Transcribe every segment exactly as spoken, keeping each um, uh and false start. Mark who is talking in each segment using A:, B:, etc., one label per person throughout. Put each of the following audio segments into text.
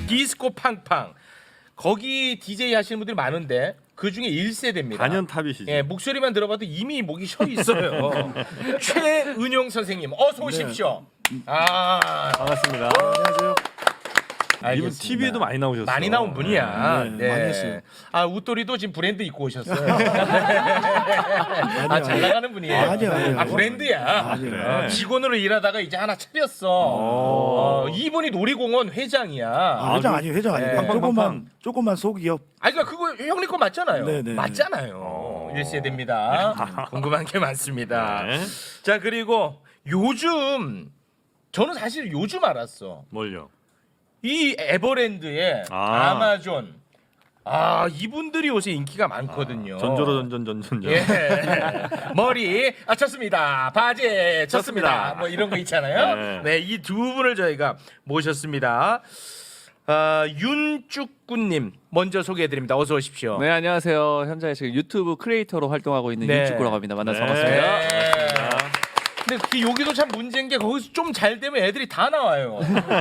A: 디스코 팡팡. 거기 디제이 하시는 분들이 많은데 그 중에 일 세대입니다.
B: 단연탑이시죠.
A: 예, 목소리만 들어봐도 이미 목이 쉬어 있어요. 최은용 선생님 어서 오십시오.
B: 네.
A: 아,
B: 반갑습니다.
C: 안녕하세요.
B: 이분
A: 알겠습니다.
B: 티비에도 많이 나오셨어요.
A: 많이 나온 분이야.
C: 네,
A: 네.
C: 많이 했어요.
A: 아, 웃돌이도 지금 브랜드 입고 오셨어요. 아, 잘 나가는 분이에요.
C: 아니요, 아니요.
A: 아, 브랜드야.
C: 아니요.
A: 어, 직원으로 일하다가 이제 하나 차렸어. 어, 이분이 놀이공원 회장이야.
C: 아, 회장 아니에요, 회장 아니에요.
A: 네.
C: 조금만 조금만 소기업.
A: 아, 그러니까 그거 형님 거 맞잖아요.
C: 네네.
A: 맞잖아요. 일 세대입니다. 궁금한 게 많습니다.
B: 네.
A: 자, 그리고 요즘 저는 사실 요즘 알았어.
B: 뭘요?
A: 이 에버랜드에
B: 아.
A: 아마존 아 이분들이 요새 인기가 많거든요.
B: 전조로 전전 전전.
A: 예. 머리 아 쳤습니다. 바지 쳤습니다.
B: 쳤습니다.
A: 뭐 이런 거 있잖아요.
B: 네.
A: 네, 이 두 분을 저희가 모셨습니다. 아, 윤쭈꾸님 먼저 소개해드립니다. 어서 오십시오.
D: 네, 안녕하세요. 현재 지금 유튜브 크리에이터로 활동하고 있는
A: 네.
D: 윤축구라고 합니다. 만나서
B: 네.
D: 반갑습니다.
A: 네. 근데 그 여기도 참 문제인 게 거기서 좀 잘 되면 애들이 다 나와요.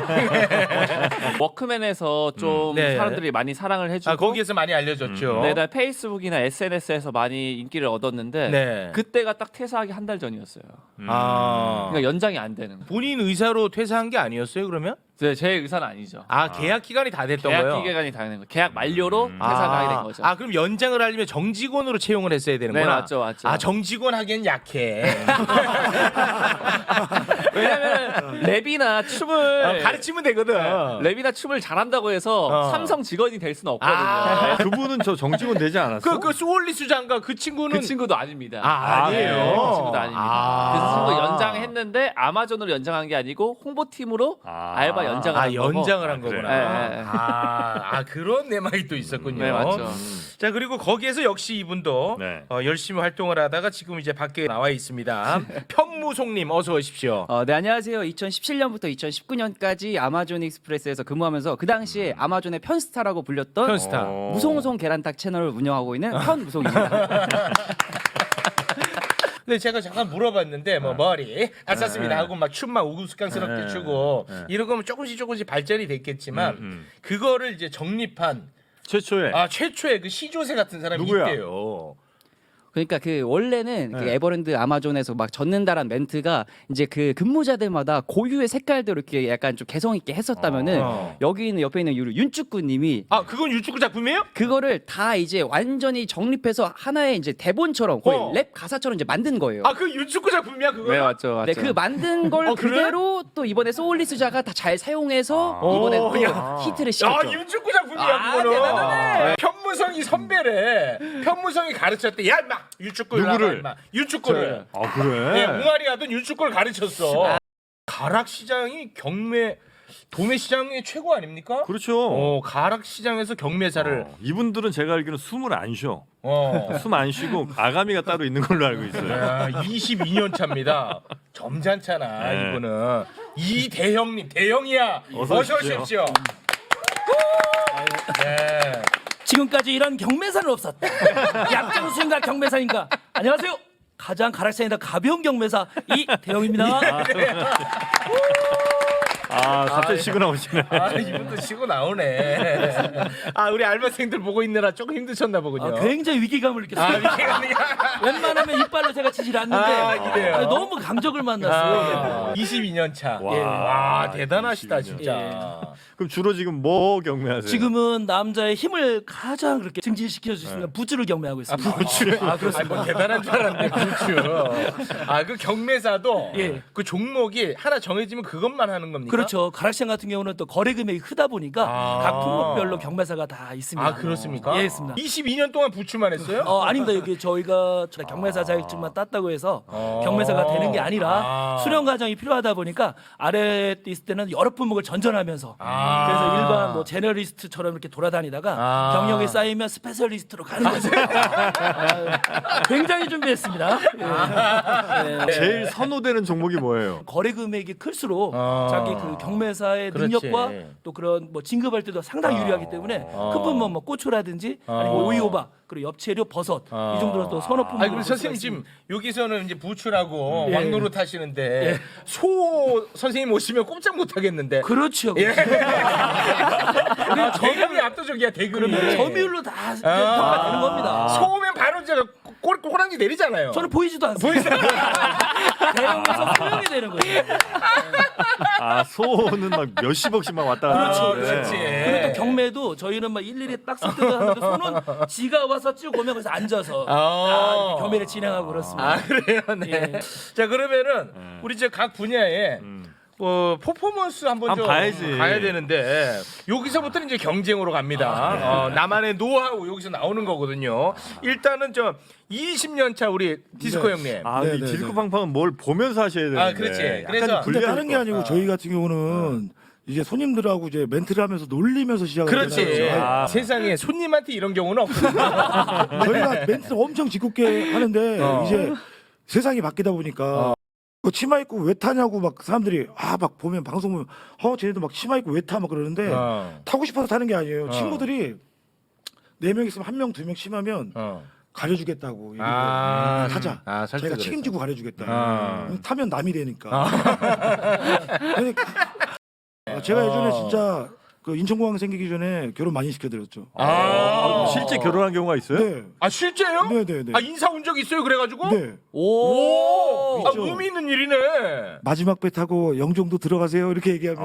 D: 워크맨에서 좀
A: 네.
D: 사람들이 많이 사랑을 해주고
A: 아, 거기에서 많이 알려졌죠.
D: 네, 나 페이스북이나 에스엔에스에서 많이 인기를 얻었는데
A: 네.
D: 그때가 딱 퇴사하기 한 달 전이었어요.
A: 아,
D: 그러니까 연장이 안 되는 거예요.
A: 본인 의사로 퇴사한 게 아니었어요, 그러면?
D: 네, 제 의사는 아니죠.
A: 아, 계약 기간이 다 됐던
D: 계약
A: 거예요.
D: 기간이 다 되는 거예요. 계약 만료로
B: 음.
D: 퇴사가 하게 된
A: 아,
D: 거죠.
A: 아, 그럼 연장을 하려면 정직원으로 채용을 했어야 되는구나.
D: 네, 맞죠, 맞죠.
A: 아, 정직원 하기엔 약해.
D: 왜냐면 랩이나 춤을
A: 어, 가르치면 되거든.
D: 랩이나 춤을 잘한다고 해서
A: 어.
D: 삼성 직원이 될 수는 없거든요.
A: 아.
B: 그분은 저 정직원 되지 않았어?
A: 그, 그 수월리수 장가 그 친구는
D: 그 친구도 아닙니다.
A: 아, 아니에요.
D: 네, 그 친구도 아닙니다.
A: 아.
D: 그래서 친구 연장했는데 아마존으로 연장한 게 아니고 홍보팀으로
B: 아.
D: 알바 연장을
A: 아,
D: 한 거고.
A: 연장을 한
B: 아, 그래요?
A: 거구나.
D: 네, 네.
A: 아, 아, 그런 내막이 또 있었군요.
D: 네, 맞죠.
A: 자, 그리고 거기에서 역시 이분도
B: 네.
A: 어, 열심히 활동을 하다가 지금 이제 밖에 나와 있습니다. 편무송님 어서 오십시오.
E: 어, 네 안녕하세요. 이천십칠 년부터 이천십구 년까지 아마존 익스프레스에서 근무하면서 그 당시에 아마존의 편스타라고 불렸던
A: 편스타.
B: 어.
E: 무송송 계란탁 채널을 운영하고 있는 편무송입니다.
A: 근데 제가 잠깐 물어봤는데 뭐 머리 안 쌌습니다
B: 네.
A: 하고 막 춤만 우스꽝스럽게
B: 네.
A: 추고
B: 네.
A: 이런 거면 조금씩 조금씩 발전이 됐겠지만
B: 음, 음.
A: 그거를 이제 정립한
B: 최초에
A: 아 최초의 그 시조새 같은 사람이
B: 누구야?
A: 있대요.
E: 그러니까 그 원래는 그
B: 네.
E: 에버랜드 아마존에서 막 젖는다란 멘트가 이제 그 근무자들마다 고유의 색깔대로 이렇게 약간 좀 개성 있게 했었다면은
A: 어.
E: 여기 있는 옆에 있는 유 윤축구님이
A: 아 그건 유축구 작품이에요?
E: 그거를 다 이제 완전히 정립해서 하나의 이제 대본처럼 거의
A: 어.
E: 랩 가사처럼 이제 만든 거예요.
A: 아 그 유축구 작품이야 그거?
D: 네, 맞죠, 맞죠.
E: 네, 그 만든 걸
A: 어, 그래?
E: 그대로 또 이번에 소울리스자가 다 잘 사용해서
B: 아.
E: 이번에
A: 오,
E: 또
A: 야.
E: 히트를
A: 야
E: 시켰죠.
A: 윤축구 작품이야
E: 아,
A: 그거는.
E: 대단하네.
A: 편무성이 선배래. 편무성이 가르쳤대. 야 임마 유축구
B: 누구를?
A: 임마 유축구를.
B: 아 그래?
A: 네, 웅아리 하던 윤축구를 가르쳤어. 가락 시장이 경매 도매 시장의 최고 아닙니까?
B: 그렇죠.
A: 어, 가락 시장에서 경매사를
B: 어, 이분들은 제가 알기로는 숨을 안 쉬어.
A: 어.
B: 숨 안 쉬고 아가미가 따로 있는 걸로 알고 있어요.
A: 야, 이십이 년 차입니다. 점잖잖아
B: 네.
A: 이분은. 이대형님 대형이야.
B: 어서
A: 어서
B: 오십시오.
A: 오십시오. 네.
F: 지금까지 이런 경매사는 없었다. 약장수인가 경매사인가. 안녕하세요. 가장 가락산이다 가벼운 경매사 이대영입니다.
B: 아 갑자기 치고 나오시네.
A: 아 이분도 치고 나오네. 아 우리 알바생들 보고 있느라 조금 힘드셨나 보군요.
F: 아, 굉장히 위기감을 느꼈어요.
A: 아 위기가
F: 웬만하면 이빨로 제가 치질 않는데
A: 아, 이래요?
F: 아니, 너무 강적을 만났어요.
A: 아, 이십이 년 차.
B: 와.
A: 예. 와 대단하시다
B: 이십이 년.
A: 진짜.
B: 그럼 주로 지금 뭐 경매하세요?
F: 지금은 남자의 힘을 가장 그렇게 증진시켜 줄 수 있는 부츠를 경매하고 있습니다.
A: 부추. 아 그렇습니다. 뭐 대단한 줄 알았는데 부추. 아그 경매사도
F: 예.
A: 그 종목이 하나 정해지면 그것만 하는 겁니까?
F: 그렇죠. 가락시장 같은 경우는 또 거래 금액이 크다 보니까
A: 아.
F: 각 품목별로 경매사가 다 있습니다.
A: 아 그렇습니까?
F: 예, 있습니다.
A: 이십이 년 동안 부추만 했어요?
F: 어 아닙니다. 여기 저희가 경매사 자격증만 땄다고 해서
A: 어.
F: 경매사가 되는 게 아니라
A: 아.
F: 수련 과정이 필요하다 보니까 아래에 있을 때는 여러 품목을 전전하면서
A: 아.
F: 그래서 일반 뭐 제너리스트처럼 이렇게 돌아다니다가
A: 아.
F: 경력이 쌓이면 스페셜리스트로 가는 거죠. 아, 굉장히 준비했습니다. 예. 네.
B: 제일 선호되는 종목이 뭐예요?
F: 거래 금액이 클수록
A: 아.
F: 자기 그 경매사의
A: 그렇지.
F: 능력과 또 그런 뭐 진급할 때도 상당히 유리하기 때문에
A: 아.
F: 큰 품목 뭐 고추라든지 아니면
A: 아.
F: 오이호박 그리고 엽채류 버섯
A: 아.
F: 이 정도로 또 선호 품목.
A: 아니 그럼 선생님 지금 여기서는 이제 부추라고
F: 예.
A: 왕노릇 하시는데 소 선생님 오시면 꼼짝 못 하겠는데.
F: 그렇죠.
A: 예. 아, 대금이 압도적이야 대금이.
F: 점유율로 다 평가 되는 겁니다.
A: 소면 바로 이제 꼬- 꼬랑지 내리잖아요.
F: 저는 보이지도 않습니다. 대형에서 소형이 되는 거예요.
B: 아 소는 막 몇십억씩 막 왔다 갔다.
A: 그렇죠,
B: 하는데.
A: 그렇지.
F: 그리고 또 경매도 저희는 막 일일이 딱 선택하는데 손은 지가 와서 쭉 오면 거기서 앉아서
A: 아.
F: 아, 이렇게 경매를 진행하고 그렇습니다.
A: 아 그래요, 네.
F: 예.
A: 자 그러면은 우리 이제 각 분야에 어, 퍼포먼스 한번
B: 한번
A: 좀
B: 봐야지.
A: 가야 되는데 여기서부터는 이제 경쟁으로 갑니다. 어, 나만의 노하우 여기서 나오는 거거든요. 일단은 저 이십 년 차 우리 디스코
C: 네.
A: 형님.
B: 아,
C: 네,
B: 이
C: 네,
B: 디스코
C: 네.
B: 팡팡은 뭘 보면서 하셔야 되는데.
A: 아, 그렇지. 그래서
B: 약간
C: 근데
B: 불리할
C: 다른 게
B: 것
C: 아니고
B: 같다.
C: 저희 같은 경우는 이제 손님들하고 이제 멘트를 하면서 놀리면서 시작을
A: 그렇지.
C: 하잖아요.
B: 아.
A: 세상에 손님한테 이런 경우는 없거든요.
C: 저희가 멘트를 엄청 짓궂게 하는데
A: 어.
C: 이제 세상이 바뀌다 보니까 그 치마 입고 왜 타냐고 막 사람들이 아 막 보면 방송 보면 어 쟤네도 막 치마 입고 왜 타 막 그러는데
A: 어.
C: 타고 싶어서 타는 게 아니에요.
A: 어.
C: 친구들이 네 명 있으면 한 명 두 명 심하면
A: 어.
C: 가려주겠다고 이러고
A: 아,
C: 타자.
A: 아, 설득을
C: 저희가
A: 해서.
C: 책임지고 가려주겠다.
A: 아.
C: 타면 남이 되니까. 그러니까 아, 제가 예전에 진짜 그 인천공항 생기기 전에 결혼 많이 시켜드렸죠.
A: 아,
B: 아, 실제 결혼한 경우가 있어요?
C: 네.
A: 아 실제요?
C: 네, 네, 네.
A: 아 인사 온 적 있어요? 그래가지고?
C: 네.
A: 오, 아,
C: 있죠.
A: 의미 있는 일이네.
C: 마지막 배 타고 영종도 들어가세요 이렇게 얘기하면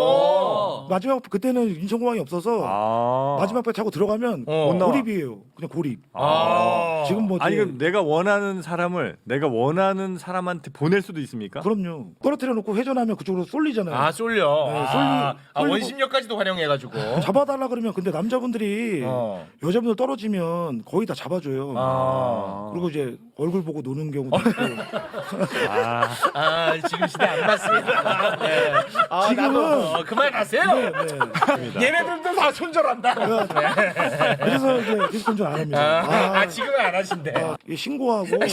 A: 오.
C: 마지막 그때는 인천공항이 없어서
B: 아.
C: 마지막 배 타고 들어가면
A: 어.
B: 못 나와.
C: 고립이에요. 그냥 고립.
A: 아.
C: 지금 뭐
B: 아니
C: 이제-
B: 그럼 내가 원하는 사람을 내가 원하는 사람한테 보낼 수도 있습니까?
C: 그럼요. 떨어뜨려 놓고 회전하면 그쪽으로 쏠리잖아요.
A: 아 쏠려.
C: 네,
A: 아,
C: 쏠리-
A: 아,
C: 쏠리고-
A: 원심력까지도 활용해가지고.
C: 잡아달라 그러면 근데 남자분들이
A: 어.
C: 여자분들 떨어지면 거의 다 잡아줘요.
A: 아.
C: 그리고 이제 얼굴 보고 노는 경우도 있고.
B: 아,
A: 아 지금 시대 안 맞습니다. 네. 아,
C: 지금은-
A: 나도, 어, 그만하세요.
C: 네, 네.
A: 얘네들도 다 손절한다. 네.
C: 그래서 이제 디스콘 좀안 합니다.
A: 아,
C: 아,
A: 아, 지금은 안 하신대.
C: 아, 이게 신고하고 아,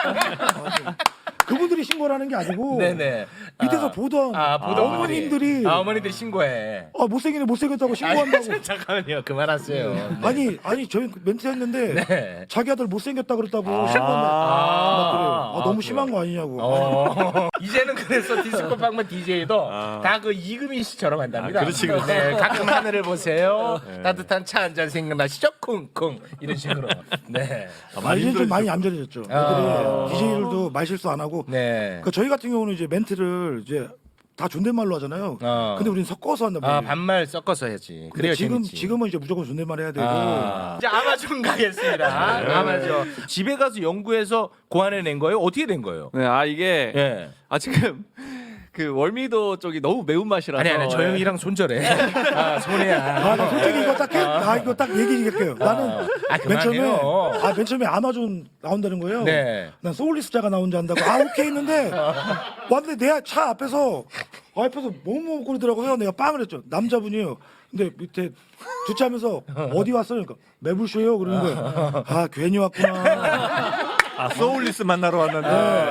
C: 네. 그분들이 신고를 하는 게 아니고
A: 네네.
C: 밑에서
A: 아.
C: 보던
A: 아, 보던
C: 어머님들이
A: 아, 어머니들 신고해.
C: 아 못생기네 못생겼다고 신고한다고.
A: 아니, 잠깐만요. 그만하세요.
C: 아니 아니 저희 멘트 했는데
A: 네.
C: 자기 아들 못생겼다 그랬다고
B: 아.
C: 신고한다. 막 그래요. 아,
A: 아,
C: 너무
A: 그래요?
C: 심한 거 아니냐고.
A: 어. 이제는 그래서 디스코 방문 디제이도
B: 아.
A: 다 그 이금희 씨처럼 한답니다.
B: 아, 그렇지, 그렇지.
A: 네, 가끔 하늘을 보세요. 따뜻한 차 한 잔 생각나시죠? 쿵쿵 이런 식으로. 네.
B: 아,
C: 아, 이제 좀
B: 힘들어지죠.
C: 많이 얌전해졌죠.
A: 아.
C: 애들이 디제이들도 말 실수 안 하고.
A: 네.
C: 그 저희 같은 경우는 이제 멘트를 이제 다 존댓말로 하잖아요.
A: 어.
C: 근데 우리는 섞어서 한단 말이에요.
A: 아 반말 섞어서 해야지.
C: 근데
A: 그래야
C: 지금
A: 재밌지.
C: 지금은 이제 무조건 존댓말 해야 되고.
A: 아. 이제 아마존 가겠습니다.
B: 네.
A: 아마존. 집에 가서 연구해서 고안해낸 거예요? 어떻게 된 거예요?
G: 네, 아 이게
A: 예.
G: 아 지금 그 월미도 쪽이 너무 매운맛이라서
A: 아니 아니 저
G: 예.
A: 형이랑 손절해. 아 손해야.
C: 아, 나 솔직히 이거 딱, 해, 아, 이거 딱 얘기할게요. 나는
A: 아,
C: 맨 처음에,
A: 그만해요.
C: 아, 맨 처음에 아마존 나온다는 거예요.
A: 네.
C: 난 소울리스자가 나온 줄 안다고, 아, 오케이 했는데, 왔는데 내 차 앞에서, 아, 앞에서 멍멍거리더라고요. 내가 빵을 했죠. 남자분이에요. 근데 밑에 주차하면서 어디 왔어요? 그러니까 매불쇼요. 그러는 거예요. 아, 괜히 왔구나.
B: 아 소울리스 만나러 왔는데.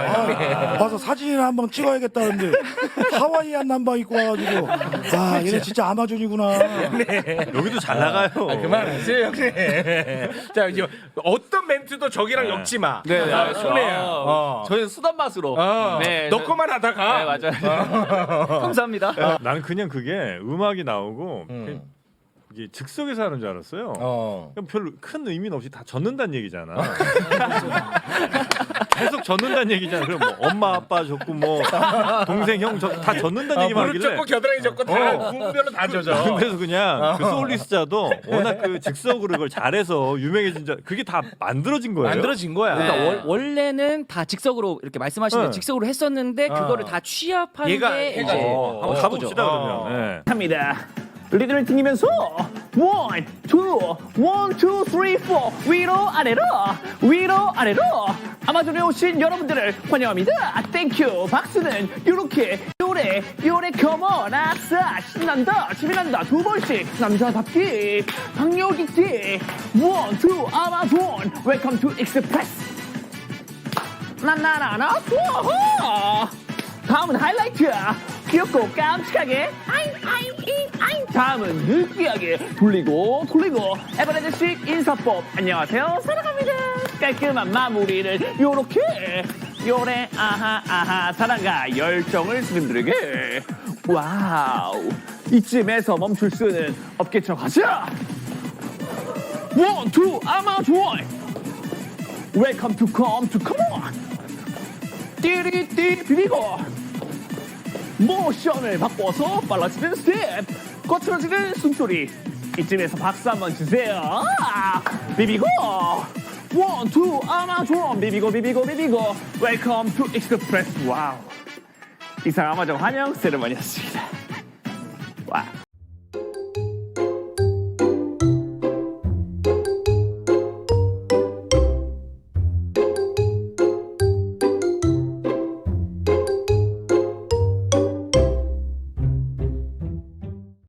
C: 아, 와서 사진이나 한번 찍어야겠다는데 하와이안 남방 입고 와가지고 아 얘네 진짜 아마존이구나.
B: 여기도 잘 나가요.
A: 아, 그만하세요 형님. 자 이제 어떤 멘트도 저기랑 엮지 마.
G: 네, 네,
A: 아,
G: 알죠.
A: 손해야.
G: 아,
A: 어.
G: 저희는 수단 맛으로.
A: 어.
G: 네,
A: 너
G: 저-
A: 거만 하다가.
G: 네, 맞아요. 감사합니다.
B: 나는 그냥 그게 음악이 나오고
A: 음.
B: 그냥 이게 즉석에서 하는 줄 알았어요.
A: 어.
B: 그냥 별로 큰 의미는 없이 다 젖는다는 얘기잖아. 계속 젖는다는 얘기잖아. 그럼 뭐 엄마 아빠 젖고 뭐 동생 형 다 젖는다는
A: 아,
B: 얘기만
A: 무릎
B: 하길래.
A: 젖고 겨드랑이 젖고 다
B: 어.
A: 구분별로 다 젖어.
B: 그래서 그냥 그 소울리스자도 워낙 그 즉석으로 그걸 잘해서 유명해진 자 그게 다 만들어진 거예요.
A: 만들어진 거야.
E: 그러니까
G: 네.
E: 월, 원래는 다 직석으로 이렇게 말씀하신 대로
B: 네.
E: 직석으로 했었는데
A: 어.
E: 그거를 다 취합한
A: 얘가
E: 게
A: 해가지고.
E: 이제
B: 어, 한번
A: 어,
B: 가봅시다
A: 어.
B: 그러면. 네.
H: 합니다. 리듬을 튕기면서 원, 투, 원, 투, 쓰리, 포 위로 아래로 위로 아래로 아마존에 오신 여러분들을 환영합니다. 땡큐. 박수는 요렇게 요래 요래 컴온 아싸 신난다 재미난다 두 번씩 남자답게 박력있게 원, 투 아마존 웰컴 투 익스프레스 나나나나 우와 다음은 하이라이트 귀엽고 깜찍하게 아잉 아잉 잉 아잉 다음은 느끼하게 돌리고 돌리고 에버레드식 인사법 안녕하세요 사랑합니다 깔끔한 마무리를 요렇게 요래 아하 아하 사랑과 열정을 스님들에게 와우 이쯤에서 멈출 수는 없겠죠. 가자. 원, 투, 아마존. 웰컴 투 컴 투 컴온. 띠리띠 비비고 모션을 바꿔서 빨라지는 스텝, 거칠어지는 숨소리. 이쯤에서 박수 한번 주세요. 아, 비비고 원, 투, 아마존. 비비고 비비고 비비고 웰컴 투 익스프레스. 와우. 이상 아마존 환영 세레머니였습니다.